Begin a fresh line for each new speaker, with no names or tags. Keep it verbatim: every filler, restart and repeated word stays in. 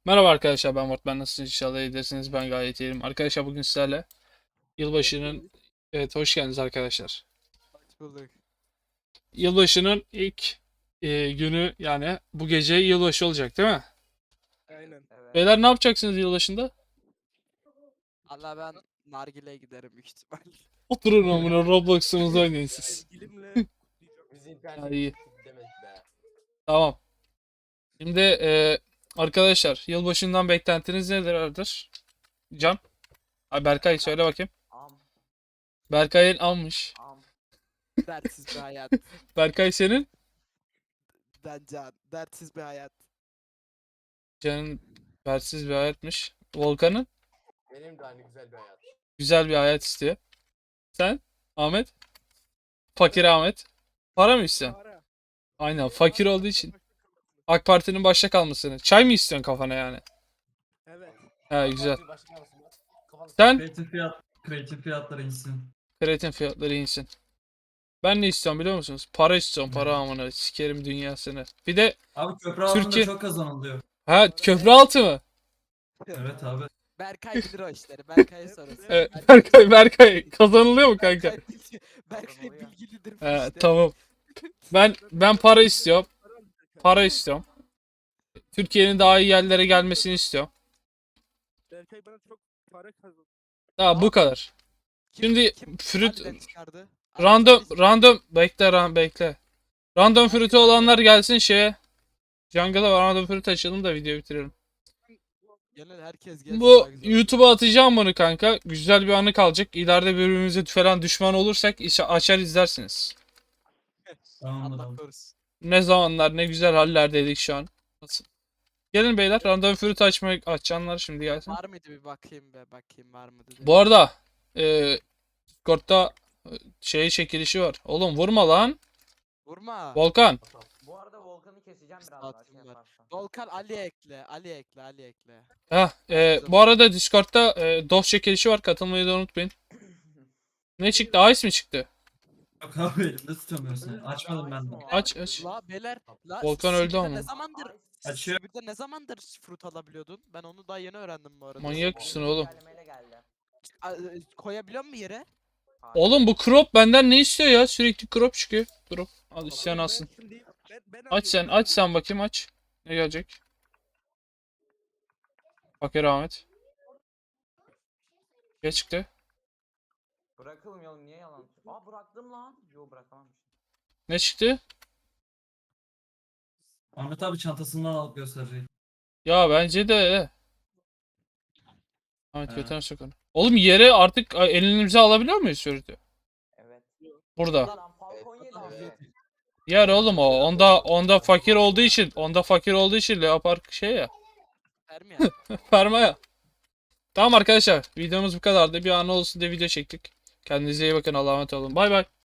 Merhaba arkadaşlar, ben Mort. Ben nasılsınız? İnşallah iyidirsiniz. Ben gayet iyiyim. Arkadaşlar bugün sizlerle
Hoş
yılbaşının...
bulduk.
Evet, hoş geldiniz arkadaşlar.
Hoş bulduk.
Yılbaşının ilk e, günü, yani bu gece yılbaşı olacak değil mi?
Aynen.
Evet.
Beyler, ne yapacaksınız yılbaşında?
Allah ben nargileye giderim büyük ihtimal.
Oturun amına Roblox'unuzu oynayın siz.
Sevgilimle kutlayacağım.
Biz
Ha,
internet
iyi.
demek be.
Tamam. Şimdi e, arkadaşlar, yılbaşından beklentiniz nelerdir? Can? Ay, Berkay söyle bakayım.
Am
Berkay'ın almış.
am.
Dertsiz bir hayat.
Berkay senin?
Ben can. Dertsiz bir hayat.
Can'ın versiz bir hayatmış. Volkan'ın
Benim de aynı güzel bir hayat.
güzel bir hayat istiyor. Sen? Ahmet? Fakir Ahmet. Para mı istiyorsun?
Para.
Aynen, fakir olduğu için. AK Parti'nin başta kalmasını. Çay mı istiyorsun kafana yani?
Evet.
He, güzel.
Fatih başka mısın? Kafanı
Sen
Kreatif fiyat, kreatif fiyatları insin.
kreatin fiyatları insin. Ben ne istiyorum biliyor musunuz? Para istiyorum, para
Ne?
amına. Sikerim dünyasını. Bir de
Abi köprü altında
Türkiye...
çok kazanılıyor.
Ha, köprü altı mı?
Evet abi.
Berkay bilir o işleri. Berkay'a sorun.
Evet, Berkay, Berkay. Kazanılıyor mu kanka?
Berkay, bilgi- Berkay bilgilidir bu
He,
işte.
tamam. Ben ben para istiyorum. Para istiyorum. Türkiye'nin daha iyi yerlere gelmesini istiyorum.
Berkay bana çok para kazandı.
Daha bu kadar.
Kim,
Şimdi
kim
fruit
harbiden çıkardı?
random
Arkadaşlar,
random bekle ran bekle. Random fruit'ü olanlar gelsin şeye. Jungle'a random fruit açalım da videoyu bitirelim.
genel herkes gelsin.
Bu
daha güzel.
YouTube'a atacağım bunu kanka. Güzel bir anı kalacak. İleride birbirimize falan düşman olursak işe açar izlersiniz.
Tamamdır
Allah
abi.
korusun.
Ne zamanlar ne güzel hallerdeydik şu an. Nasıl? Gelin beyler, random fruit açmayı açanlar şimdi gelsin.
Var mıydı bir bakayım be bakayım var mı dedi.
Bu arada e, Discord'da e, şey çekilişi var. Oğlum vurma lan.
Vurma.
Volkan.
Bu arada Volkan'ı keseceğim biraz daha şey
Saatim var.
yaparsan.
Volkan Ali ekle. Ali ekle. Ali ekle.
Heh, e, bu arada Discord'da e, dost çekilişi var. Katılmayı da unutmayın. Ne çıktı? Ice mi çıktı?
Yok abi elimde tutamıyorum seni. Açmadım ben de.
Aç aç.
La beyler. La
Volkan öldü
Sibir'de
ama.
ne zamandır
Açıyor.
Sibir'de ne zamandır fruit alabiliyordun? Ben onu daha yeni öğrendim bu arada.
Manyak mısın oğlum?
Güncellemeyle geldi.
A- e, Koyabiliyor musun yere?
Hayır.
Oğlum bu crop benden ne istiyor ya? Sürekli crop çıkıyor. Crop. Al isteyen
Ben
alsın.
şimdi- ben- ben
Aç sen,
alıyorum,
aç sen bakayım aç. Ne gelecek? Fakir Ahmet. Ne çıktı?
Bırakılmıyor, niye yalan? Aa, bıraktım lan. Yo, bırakamam.
Ne çıktı?
Ahmet abi çantasından alıp gösterecek.
Ya bence de. Ahmet
He.
götüne sok onu. Oğlum yere artık a, elimize alabiliyor muyuz sürekli?
Evet.
Burada.
Lan Falcon yedi abi.
Yer oğlum o. Onda onda fakir olduğu için, onda fakir olduğu için Leopard şey ya.
Vermiyor.
Ferma ya. Tamam arkadaşlar, videomuz bu kadardı. Bir an olsun diye video çektik. Kendinize iyi bakın. Allah'a emanet olun. Bay bay.